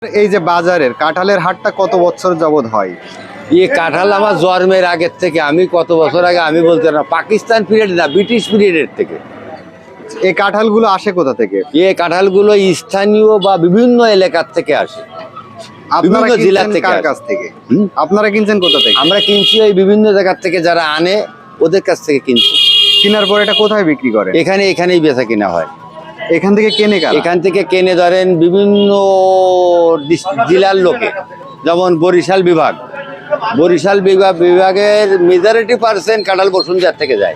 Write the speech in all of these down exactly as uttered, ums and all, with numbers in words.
এই যে বাজারের কাঁঠালের হাটটা কত বছর যাবত হয়? ये কাঁঠাল আমার জন্মের আগের থেকে, আমি কত বছর আগে আমি বলতে না, পাকিস্তান পিরিয়ড না, ব্রিটিশ পিরিয়ডের থেকে। এই কাঁঠালগুলো আসে কোথা থেকে? এ কাঁঠালগুলো স্থানীয় বা বিভিন্ন এলাকার থেকে আসে, আপনারা বিভিন্ন জেলা কিনছেন থেকে কার আসে। কাছ থেকে? হুম? আপনারা কিনছেন কোথা থেকে? আমরা কিনছি ওই বিভিন্ন জায়গার থেকে, যারা আনে ওদের কাছ থেকে কিনছি। কেনার পর এটা কোথায় বিক্রি করে? এখানে এখানেই বেচা কিনা হয়। এখান থেকে কেনে কারা? এখান থেকে কেনে ধরেন বিভিন্ন ডিস- জেলার লোকে, যেমন বরিশাল বিভাগ, বরিশাল বিভাগ বিভাগের মেজরিটি পার্সেন্ট কাঁঠাল বসুন্ধিয়ার থেকে যায়।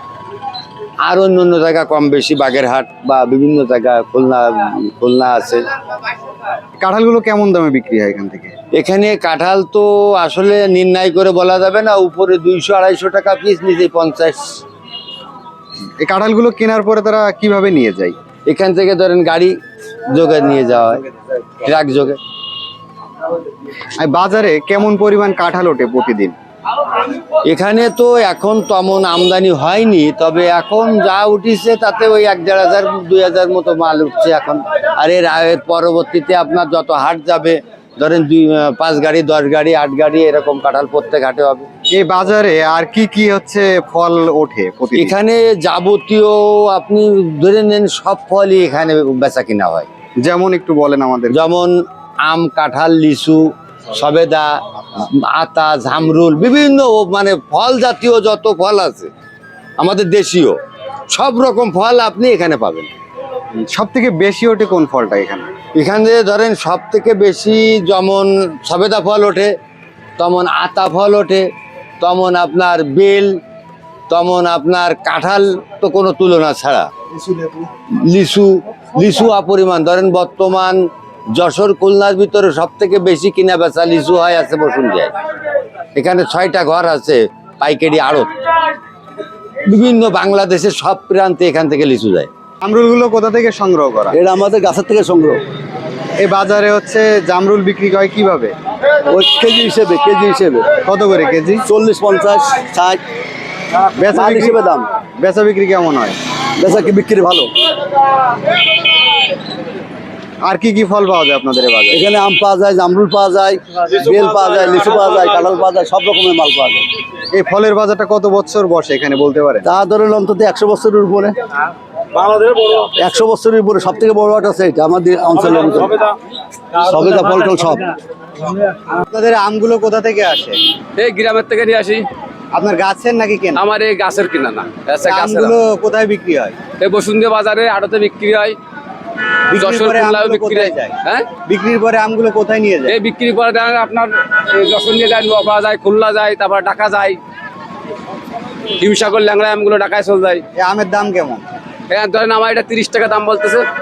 আর অন্য অন্য জায়গা কম বেশি বাগেরহাট বা বিভিন্ন জায়গা, খুলনা খুলনা আছে। কাঁঠালগুলো কেমন দামে বিক্রি হয় এখান থেকে? এখানে কাঁঠাল তো আসলে নির্ণয় করে বলা যাবে না, উপরে দুইশো আড়াইশো টাকা পিস, নিচে পঞ্চাশ। এই কাঁঠালগুলো কেনার পরে তারা কিভাবে নিয়ে যায়? এখান থেকে ধরেন গাড়ি যোগে নিয়ে যাওয়া হয়, ট্রাক যোগে। আর বাজারে কেমন পরিমাণ কাঁঠাল ওঠে প্রতিদিন? এখানে তো এখন তেমন আমদানি হয়নি, তবে এখন যা উঠিছে তাতে ওই এক দেড় হাজার দুই হাজার মতো মাল উঠছে এখন। আর এর এর পরবর্তীতে আপনার যত হাট যাবে, ধরেন দুই পাঁচ গাড়ি দশ গাড়ি আট গাড়ি এরকম কাঁঠাল প্রত্যেক হাটে হবে। এই বাজারে আর কি কি হচ্ছে ফল ওঠে প্রতিদিন? এখানে যাবতীয় আপনি ধরে নেন সব ফলই এখানে বেচা কিনা হয়। যেমন একটু বলেন আমাদের। যেমন আম, কাঁঠাল, লিচু, সবেদা, আতা, জামরুল, বিভিন্ন মানে ফল জাতীয় যত ফল আছে আমাদের দেশীয়, সব রকম ফল আপনি এখানে পাবেন। সব থেকে বেশি ওঠে কোন ফলটা এখানে? এখানে ধরেন সব থেকে বেশি যেমন সবেদা ফল ওঠে, তেমন আতা ফল ওঠে, তেমন আপনার বেল, তেমন আপনার কাঁঠাল তো কোনো তুলনা ছাড়া, লিচু লিচু অপরিমাণ। ধরেন বর্তমান যশোর খুলনার ভিতরে সব থেকে বেশি কিনা বেচা লিচু হয় আছে বসুন্ধিয়ায়। এখানে ছয়টা ঘর আছে পাইকারি আড়ত, বিভিন্ন বাংলাদেশের সব প্রান্তে এখান থেকে লিচু যায়। জামরুলগুলো কোথা থেকে সংগ্রহ করা? এটা আমাদের গাছের থেকে সংগ্রহ। এই বাজারে হচ্ছে জামরুল বিক্রি হয় কিভাবে? ওই কেজি হিসেবে কেজি হিসেবে কত করে কেজি? চল্লিশ পঞ্চাশ ষাট বেচা মাল বিক্রি হিসেবে দাম। বেচা বিক্রি কেমন হয়? বেচা কি বিক্রি ভালো। আর কি কি ফল পাওয়া যায় আপনাদের এই বাজারে? এখানে আম পাওয়া যায়, জামরুল পাওয়া যায়, বেল পাওয়া যায়, লিচু পাওয়া যায়, কাঁঠাল পাওয়া যায়, সব রকমের মাল পাওয়া যায়। এই ফলের বাজারটা কত বছর বসে এখানে বলতে পারেন? তা ধরেন অন্তত একশো বছরের উপরে, একশো বছরের উপরে। সব থেকে বড় হাট আছে এটা আমাদের অঞ্চলের ভিতরে, সবেদা ফল টল সব। আপনাদের আমগুলো কোথা থেকে আসে? এই গ্রামের থেকে নিয়ে আসি। আপনার গাছের নাকি কেনা? আমার এই গাছের কিনা না, গাছের গাছের আমগুলো কোথায় বিক্রি হয়? এই বসুন্ধরা বাজারে আড়তে বিক্রি হয়, বিক্রির যশোর পরে খুলনাও আমগুলো বিক্রি কোথায় হয়। যায়? হ্যাঁ, বিক্রির পরে আমগুলো কোথায় নিয়ে যায়? এই বিক্রি করে দেন আপনার এই যশোর নিয়ে যায়, নোয়াপাড়া যায়, খুলনা যায়, তারপর ঢাকা যায়, হিমসাগর ল্যাংড়া আমগুলো ঢাকায় চলে যায়। এই আমের দাম কেমন? এখানে ধরেন আমার এটা তিরিশ টাকা দাম বলতেছে।